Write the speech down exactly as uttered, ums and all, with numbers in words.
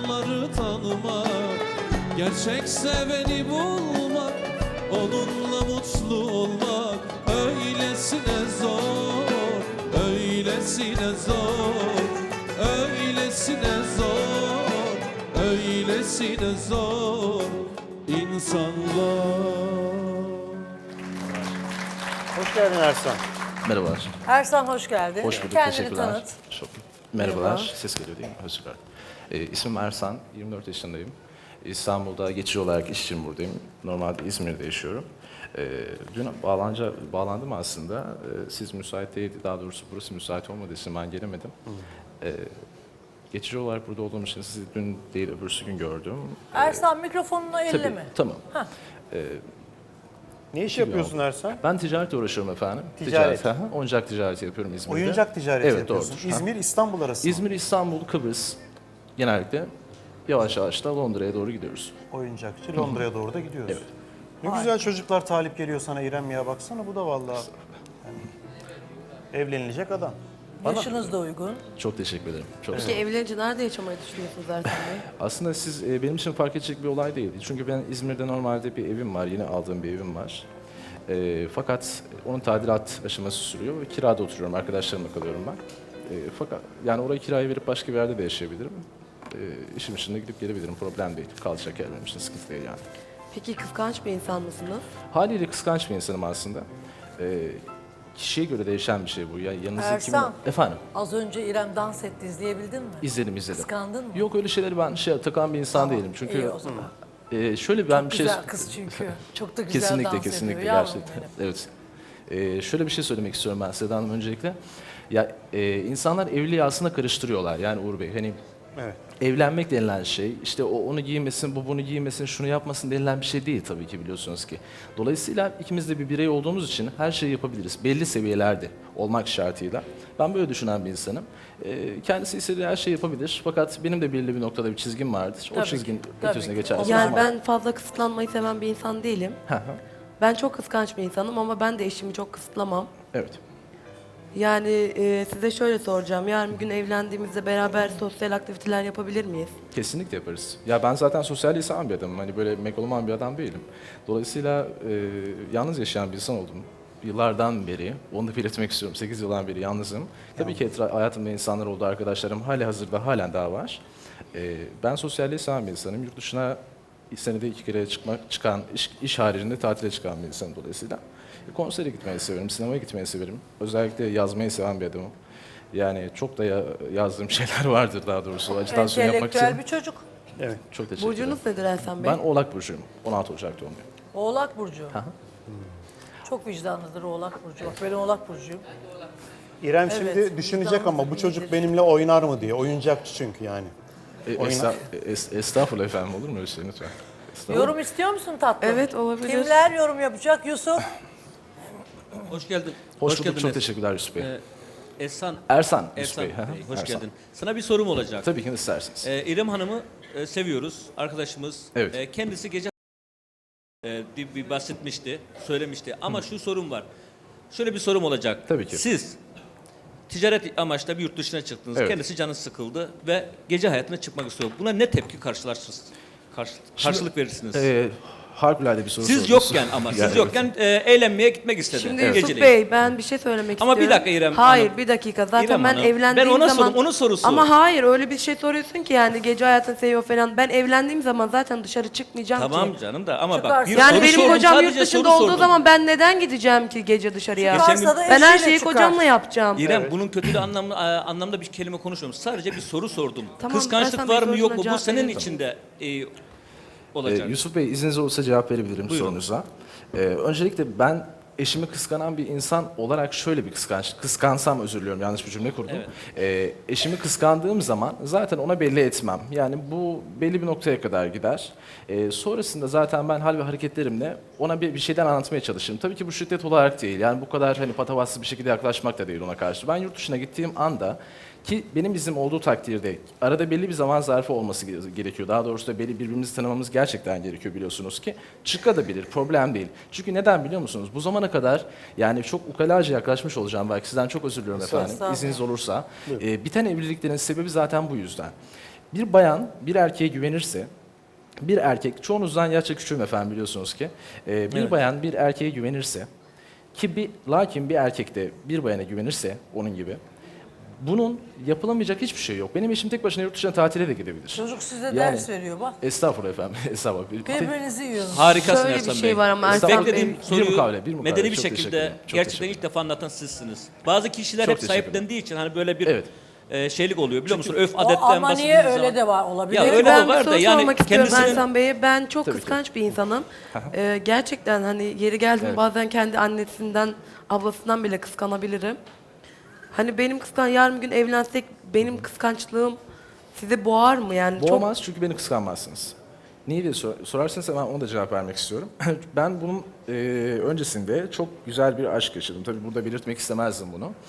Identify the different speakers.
Speaker 1: yalanları tanımak, gerçek seveni bulmak, onunla mutlu olmak öylesine zor, öylesine zor, öylesine zor, öylesine zor insanlar.
Speaker 2: Hoş geldin Ersan.
Speaker 3: Merhabalar.
Speaker 4: Ersan hoş geldin.
Speaker 3: Hoş bulduk.
Speaker 4: Kendini
Speaker 3: Teşekkürler.
Speaker 4: tanıt.
Speaker 3: Çok. Merhabalar.
Speaker 4: Merhaba.
Speaker 3: Ses geliyor değil mi? Özür dilerim. Ee, ismim Ersan. yirmi dört yaşındayım. İstanbul'da geçici olarak iş için buradayım. Normalde İzmir'de yaşıyorum. Ee, dün bağlanca, bağlandım aslında. Ee, siz müsait değildi. Daha doğrusu burası müsait olmadığı için ben gelemedim. Ee, geçici olarak burada olduğum için sizi dün değil öbürsü gün gördüm.
Speaker 4: Ersan mikrofonunu
Speaker 3: Tabii.
Speaker 4: elleme.
Speaker 3: Tamam.
Speaker 4: Heh.
Speaker 2: Ne iş yapıyorsun Ersan?
Speaker 3: Ben ticaretle uğraşıyorum efendim.
Speaker 2: Ticaret.
Speaker 3: Ticaret. aha. Oyuncak ticareti yapıyorum İzmir'de.
Speaker 2: Oyuncak ticareti
Speaker 3: Evet,
Speaker 2: yapıyorsun.
Speaker 3: doğrudur.
Speaker 2: İzmir, İstanbul arası mı?
Speaker 3: İzmir, İstanbul, Kıbrıs genellikle yavaş yavaş da Londra'ya doğru gidiyoruz.
Speaker 2: Oyuncakçı. Londra'ya doğru da gidiyoruz.
Speaker 3: Evet.
Speaker 2: Ne güzel çocuklar talip geliyor sana İrem ya. Baksana bu da vallahi yani evlenilecek adam. Bana-
Speaker 4: Yaşınız da uygun.
Speaker 3: Çok teşekkür ederim. Çok sağ
Speaker 5: Peki
Speaker 3: olun.
Speaker 5: evlenince nerede yaşamayı düşünüyorsunuz Ertan Bey?
Speaker 3: Aslında siz e, benim için fark edecek bir olay değildi. Çünkü ben İzmir'de normalde bir evim var, yeni aldığım bir evim var. E, fakat onun tadilat aşaması sürüyor ve kirada oturuyorum, arkadaşlarımla kalıyorum ben. E, fakat yani orayı kiraya verip başka bir yerde de yaşayabilirim. E, işim içinde gidip gelebilirim, problem değil. Kalacak yer benim için sıkıntı değil yani.
Speaker 5: Peki kıskanç bir insan mısınız?
Speaker 3: Haliyle kıskanç bir insanım aslında. E, kişiye göre değişen bir şey bu. Ya yanınızda
Speaker 4: Ersan.
Speaker 3: kimin... Efendim?
Speaker 4: Az önce İrem dans etti, izleyebildin mi?
Speaker 3: İzledim, izledim.
Speaker 4: Kıskandın mı?
Speaker 3: Yok öyle şeyleri ben şey takan bir insan değilim. Çünkü
Speaker 4: İyi o zaman.
Speaker 3: e, şöyle ben bir şey
Speaker 4: Güzel kız çünkü. Çok da güzel
Speaker 3: kesinlikle
Speaker 4: dans
Speaker 3: kesinlikle
Speaker 4: ediyor. Yavrum
Speaker 3: gerçekten.
Speaker 4: benim.
Speaker 3: Evet. E, şöyle bir şey söylemek istiyorum ben Seda Hanım öncelikle. Ya e, insanlar evliliği aslında karıştırıyorlar. Yani Uğur Bey hani
Speaker 2: Evet.
Speaker 3: evlenmek denilen şey, işte o onu giymesin, bu bunu giymesin, şunu yapmasın denilen bir şey değil tabii ki biliyorsunuz ki. Dolayısıyla ikimiz de bir birey olduğumuz için her şeyi yapabiliriz. Belli seviyelerde olmak şartıyla. Ben böyle düşünen bir insanım. Ee, kendisi istediği her şeyi yapabilir. Fakat benim de belli bir noktada bir çizgim vardır. O
Speaker 4: Tabii
Speaker 3: çizgin
Speaker 4: ki, tabii
Speaker 3: ötesine
Speaker 4: ki.
Speaker 3: geçerse o
Speaker 5: Yani
Speaker 3: zaman...
Speaker 5: ben fazla kısıtlanmayı seven bir insan değilim.
Speaker 3: Hı hı.
Speaker 5: Ben çok kıskanç bir insanım ama ben de eşimi çok kısıtlamam.
Speaker 3: Evet.
Speaker 5: Yani e, size şöyle soracağım. Yarın bir gün evlendiğimizde beraber sosyal aktiviteler yapabilir miyiz?
Speaker 3: Kesinlikle yaparız. Ya ben zaten sosyalliği seven bir adamım. Hani böyle megaloman bir adam değilim. Dolayısıyla e, yalnız yaşayan bir insan oldum. Yıllardan beri, onu da belirtmek istiyorum. sekiz yıldan beri yalnızım. Tabii ki etra- hayatımda insanlar oldu, arkadaşlarım hali hazırda halen daha var. E, ben sosyalliği seven bir insanım. Yurt dışına senede iki kere çıkmak, çıkan, iş, iş haricinde tatile çıkan bir insanım dolayısıyla. E, konsere gitmeyi severim, sinemaya gitmeyi severim. Özellikle yazmayı seven bir adamım. Yani çok da ya, yazdığım şeyler vardır daha doğrusu. Ajitasyon yapmak için.
Speaker 4: Entelektüel bir çocuk.
Speaker 2: Evet.
Speaker 3: Çok teşekkür ederim.
Speaker 5: Burcunuz nedir Ersan Bey?
Speaker 3: Ben Oğlak Burcu'yum. on altı Ocak doğumluyum.
Speaker 4: Oğlak Burcu.
Speaker 3: hı.
Speaker 4: Çok vicdanlıdır Oğlak Burcu. Bak ben Oğlak Burcu'yum.
Speaker 2: İrem
Speaker 4: Evet,
Speaker 2: şimdi düşünecek
Speaker 4: vicdanlı
Speaker 2: ama bu
Speaker 4: bir
Speaker 2: çocuk
Speaker 4: iyidir.
Speaker 2: benimle oynar mı diye. Oyuncakçı çünkü yani.
Speaker 3: E,
Speaker 2: Oynar.
Speaker 3: esta- es- estağfurullah efendim olur mu öyle şey lütfen? Estağfurullah.
Speaker 4: Yorum istiyor musun tatlım?
Speaker 5: Evet, olabilir.
Speaker 4: Kimler yorum yapacak? Yusuf.
Speaker 6: Hoş geldin.
Speaker 3: Hoş, bulduk,
Speaker 6: geldin
Speaker 3: çok
Speaker 6: Es-
Speaker 3: teşekkürler Yusuf Bey.
Speaker 6: Ee, Ehsan,
Speaker 3: Ersan Yusuf
Speaker 6: Ehsan
Speaker 3: Bey. hı hı,
Speaker 6: Bey, hoş
Speaker 3: Ersan.
Speaker 6: geldin. Sana bir sorum olacak.
Speaker 3: Tabii ki de isterseniz.
Speaker 6: Ee, İrem Hanım'ı e, seviyoruz, arkadaşımız.
Speaker 3: Evet.
Speaker 6: Ee, kendisi gece e, bir, bir bahsetmişti, söylemişti. Ama şu sorum var. Şöyle bir sorum olacak.
Speaker 3: Tabii ki.
Speaker 6: Siz ticaret amaçla bir yurt dışına çıktınız.
Speaker 3: Evet.
Speaker 6: Kendisi canı sıkıldı ve gece hayatına çıkmak istiyor. Buna ne tepki karşılarsınız? Karşı, karşılık verirsiniz.
Speaker 3: Ee, harikulade bir soru
Speaker 6: Siz
Speaker 3: sordunuz.
Speaker 6: yokken ama siz
Speaker 3: Yani
Speaker 6: yokken e, eğlenmeye gitmek istedi.
Speaker 5: Şimdi
Speaker 6: Evet.
Speaker 5: Yusuf
Speaker 6: Geceleyin.
Speaker 5: Bey ben bir şey söylemek
Speaker 6: Ama bir
Speaker 5: istiyorum.
Speaker 6: dakika İrem
Speaker 5: Hayır
Speaker 6: Hanım.
Speaker 5: bir dakika zaten
Speaker 6: İrem
Speaker 5: ben
Speaker 6: Hanım,
Speaker 5: evlendiğim
Speaker 6: ben ona
Speaker 5: zaman...
Speaker 6: sorum, onun sorusu.
Speaker 5: Ama hayır öyle bir şey soruyorsun ki yani gece hayatını seviyor falan. Ben evlendiğim zaman zaten dışarı çıkmayacağım
Speaker 6: Tamam
Speaker 5: ki.
Speaker 6: canım da ama bak
Speaker 4: Çıkarsın.
Speaker 6: bir
Speaker 5: Yani
Speaker 6: soru
Speaker 5: benim
Speaker 6: sordum,
Speaker 5: kocam yurt
Speaker 6: sadece
Speaker 5: dışında
Speaker 6: soru
Speaker 5: olduğu
Speaker 6: sordum.
Speaker 5: zaman ben neden gideceğim ki gece dışarıya?
Speaker 4: Çıkarsa da
Speaker 5: Ben her
Speaker 4: eşiyle
Speaker 5: şeyi
Speaker 4: çıkar.
Speaker 5: kocamla yapacağım.
Speaker 6: İrem bunun kötü de anlamlı anlamda bir kelime konuşmuyorum. Sadece bir soru sordum.
Speaker 5: Tamam,
Speaker 6: Kıskançlık
Speaker 5: Ersan
Speaker 6: var
Speaker 5: Bey
Speaker 6: mı yok mu?
Speaker 5: sorusuna
Speaker 6: Bu
Speaker 5: cevap
Speaker 6: senin
Speaker 5: verin.
Speaker 6: içinde e,
Speaker 3: Ee,
Speaker 6: olacak.
Speaker 3: Yusuf Bey izniniz olursa cevap verebilirim
Speaker 6: Buyurun.
Speaker 3: sorunuza. Ee, öncelikle ben eşimi kıskanan bir insan olarak şöyle bir kıskanç, kıskansam özür diliyorum yanlış bir cümle kurdum. Ee, eşimi kıskandığım zaman zaten ona belli etmem. Yani bu belli bir noktaya kadar gider. Ee, sonrasında zaten ben hal ve hareketlerimle ona bir, bir şeyden anlatmaya çalışırım. Tabii ki bu şiddet olarak değil. Yani bu kadar hani patavatsız bir şekilde yaklaşmak da değil ona karşı. Ben yurt dışına gittiğim anda ki benim iznim olduğu takdirde arada belli bir zaman zarfı olması gerekiyor. Daha doğrusu da belli birbirimizi tanımamız gerçekten gerekiyor biliyorsunuz ki. Çıkabilir, problem değil. Çünkü neden biliyor musunuz? Bu zamana kadar yani çok ukalaca yaklaşmış olacağım belki sizden çok özür diliyorum efendim.
Speaker 4: Estağfurullah.
Speaker 3: İzniniz olursa. Ee, biten evliliklerin sebebi zaten bu yüzden. Bir bayan bir erkeğe güvenirse, bir erkek, çoğunuzdan yaşça küçüğüm efendim biliyorsunuz ki, e, bir
Speaker 6: Evet.
Speaker 3: bayan bir erkeğe güvenirse, ki bir, lakin bir erkek de bir bayana güvenirse onun gibi, bunun yapılamayacak hiçbir şey yok. Benim eşim tek başına yurt dışına tatile de gidebilir.
Speaker 4: Çocuk size
Speaker 3: Yani-
Speaker 4: ders veriyor bak.
Speaker 3: Estağfurullah efendim, estağfurullah.
Speaker 4: Birbirinizi yiyorsunuz.
Speaker 6: Harikasın
Speaker 5: Şöyle bir
Speaker 6: Ersan
Speaker 5: şey
Speaker 6: Bey.
Speaker 5: var ama Ersan
Speaker 6: Beklediğim
Speaker 5: Bey-
Speaker 3: Bir
Speaker 6: soruyu
Speaker 3: mukavele, bir mukavele.
Speaker 6: medeni bir
Speaker 3: Çok teşekkür
Speaker 6: şekilde
Speaker 3: ederim. Çok
Speaker 6: gerçekten
Speaker 3: teşekkür
Speaker 6: ilk defa anlatan sizsiniz. Bazı kişiler
Speaker 3: Çok
Speaker 6: hep
Speaker 3: teşekkür ederim.
Speaker 6: sahiplendiği için hani böyle bir
Speaker 3: Evet.
Speaker 6: e, şeylik oluyor biliyor musun? Öf
Speaker 4: O
Speaker 6: adetten
Speaker 4: ama niye
Speaker 6: bahsedildiği
Speaker 4: öyle
Speaker 6: zaman.
Speaker 4: de var olabilir.
Speaker 6: Ya
Speaker 5: Peki
Speaker 6: öyle
Speaker 5: ben
Speaker 6: de var
Speaker 5: bir
Speaker 6: da
Speaker 5: soru
Speaker 6: yani
Speaker 5: sormak istiyorum
Speaker 6: kendisinin-
Speaker 5: Ersan Bey'e. Ben çok
Speaker 3: Tabii ki.
Speaker 5: kıskanç bir insanım. Ee, gerçekten hani yeri geldi mi
Speaker 3: Evet.
Speaker 5: bazen kendi annesinden, ablasından bile kıskanabilirim. Hani benim kıskan yarın bir gün evlensek benim kıskançlığım sizi boğar mı yani? Çok
Speaker 3: Boğmaz çünkü beni kıskanmazsınız. Niye diye sor- sorarsanız hemen ona da cevap vermek istiyorum. Ben bunun e, öncesinde çok güzel bir aşk yaşadım. Tabii burada belirtmek istemezdim bunu.